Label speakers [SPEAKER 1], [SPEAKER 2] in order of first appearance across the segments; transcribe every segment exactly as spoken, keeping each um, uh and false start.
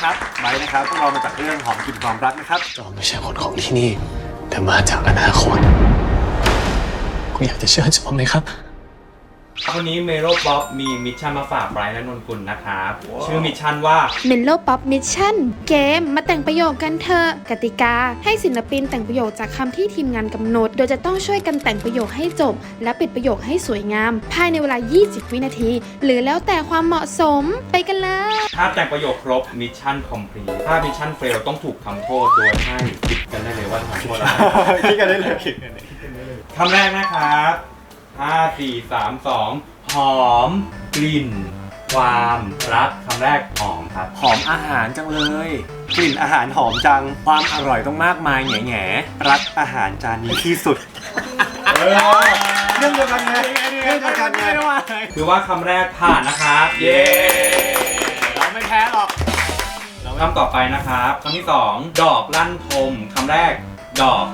[SPEAKER 1] ครับไบร์ทนะครับพวกเรามาจากเรื่องหอมกลิ่นความรักนะครับ
[SPEAKER 2] เราไม่ใช่คนของที่นี่แต่มาจากอนาคตคุณอยากจะเชื่อผมไหมครับ
[SPEAKER 3] วันนี้เมโลป๊อปมีมิชชั่นมาฝากไบรท์และนนกุลนะครับ wow. ชื่อมิชชั่นว่า
[SPEAKER 4] เมโลป๊อปมิชชั่นเกมมาแต่งประโยคกันเถอะกติกาให้ศิลปินแต่งประโยคจากคำที่ทีมงานกำหนดโดยจะต้องช่วยกันแต่งประโยคให้จบและปิดประโยคให้สวยงามภายในเวลายี่สิบวินาทีหรือแล้วแต่ความเหมาะสมไปกันเลย
[SPEAKER 3] ถ้าแต่งประโยคครบมิชชั่นคอมพลีทถ้ามิชชั่นเฟลต้องถูกทำโทษโดยให้คิดกันได้เลยว่าทำโทษอะไร
[SPEAKER 1] คิดกันได้เลย
[SPEAKER 3] คำแรกนะครับห้า สี่ สาม สองหอมกลิ่นความรักคำแรกหอมครับ
[SPEAKER 1] หอมอาหารจังเลยกลิ่นอาหารหอมจังความอร่อยต้องมากมายแง่แง่รักอาหารจานนี้ที่สุดเรื่องเดียวกันไงเรื่องเดียวกันไง
[SPEAKER 3] คือว่าคำแรกผ่านนะครับเย้
[SPEAKER 1] เราไม่แพ้หรอก
[SPEAKER 3] คำต่อไปนะครับคำที่สองดอกลั่นทมคำแรกดอก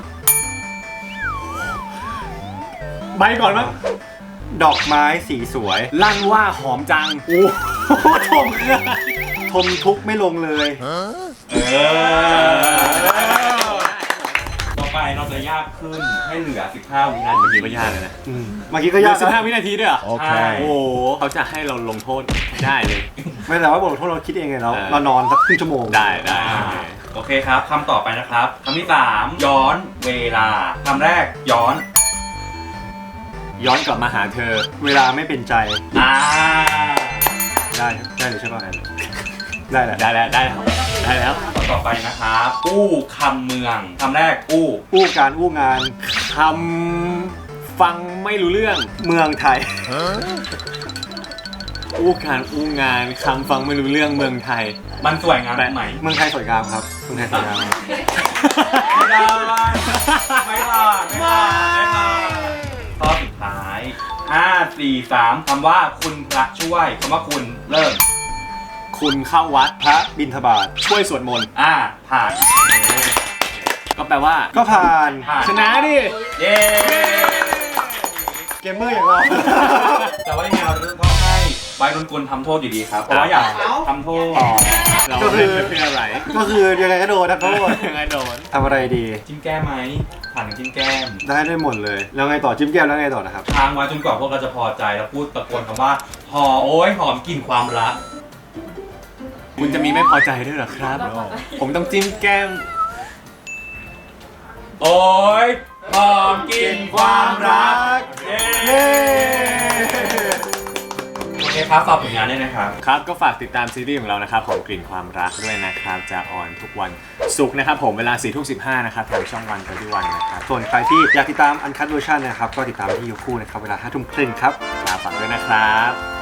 [SPEAKER 1] ใบก่อนมั้งดอกไม้สีสวยลั่นว่าหอมจังโอ้โหทมทมทุกไม่ลงเลยเอ
[SPEAKER 3] อต่อไปเราจะยากขึ้นให้เหลือสิบห้าวินาที
[SPEAKER 1] เมื่อกี้ก็ยากเลยนะเมื่อกี้ก็ยากสิบห้าวินาทีด้วยเหรอ
[SPEAKER 3] โอเค
[SPEAKER 1] โอ้โหเขาจะให้เราลงโทษได้เลยไม่แต่ว่าบทลงโทษเราคิดเองไงเนาะเรานอนสักครึ่งชั่วโมง
[SPEAKER 3] ได้ได้โอเคครับคำต่อไปนะครับคำที่สามย้อนเวลาคำแรกย้อน
[SPEAKER 1] ย้อนกลับมาหาเธอเวลาไม่เป็นใจ
[SPEAKER 3] อ่า
[SPEAKER 1] ได้ได้เลยใช่ป่ะได้แล้ว
[SPEAKER 3] ได้แล้วได้แล้วได้แล้วต่อไปนะครับอู้คำเมืองคำแรกอู้
[SPEAKER 1] อู้การอู้งานคำฟังไม่รู้เรื่องเมืองไทยอู้การอู้งานคำฟังไม่รู้เรื่องเมืองไทย
[SPEAKER 3] มันสวยงามไหม
[SPEAKER 1] เมืองไทยสวยงามครับเมืองไทยสวยงาม
[SPEAKER 3] ไม่ได้ไม่ผ่านไม่ผ่านไม่ผ่านข้อสุดท้ายห้า สี่ สามคำว่าคุณพระช่วยคำว่าคุณเริ่ม
[SPEAKER 1] คุณเข้าวัดพระบิณฑบาตช่วยสวดมนต์
[SPEAKER 3] อ่าผ่าน
[SPEAKER 1] ก็แปลว่าก็ผ่านชนะดิ
[SPEAKER 3] เย้
[SPEAKER 1] เกมเมอร์อย่างเรา
[SPEAKER 3] แต่ว่ายังไงเราต้องให้ไบร์ท นนกุลทำโทษอยู่ดีครับเพราะว่าอยากทำโทษ
[SPEAKER 1] ก็คือเป็นอะไรก็คือยังไงก็โดนทำโทษ
[SPEAKER 3] ยังไงโดน
[SPEAKER 1] ทำอะไรดี
[SPEAKER 3] จิ้มแก้มไหมผ่านจิ้มแก้ม
[SPEAKER 1] ได้ได้หมดเลยแล้วไงต่อจิ้มแก้มแล้วไงต่อนะครับ
[SPEAKER 3] ทางไว้จนกว่าพวกเราจะพอใจแล้วพูดตะโกนคำว่าหอโอ้ยหอมกลิ่นความรัก
[SPEAKER 1] คุณจะมีไม่พอใจด้วยหรอครับผมต้องจิ้มแก้ม
[SPEAKER 3] โอ้ยหอมกลิ่นความรักเย้โอเคครับฝากผลงานด้วยนะครับ
[SPEAKER 1] ครับก็ฝากติดตามซีรีส์ของเรานะครับของกลิ่นความรักด้วยนะครับจะออนทุกวันศุกร์นะครับผมเวลาสี่ทุ่มสิบห้านะครับทางช่องวันกันที่วันนะครับส่วนใครที่อยากติดตามอันคัทเวอร์ชันนะครับก็ติดตามที่ยูคู่นะครับเวลาห้าทุ่มครึ่งครับฝากด้วยนะครับ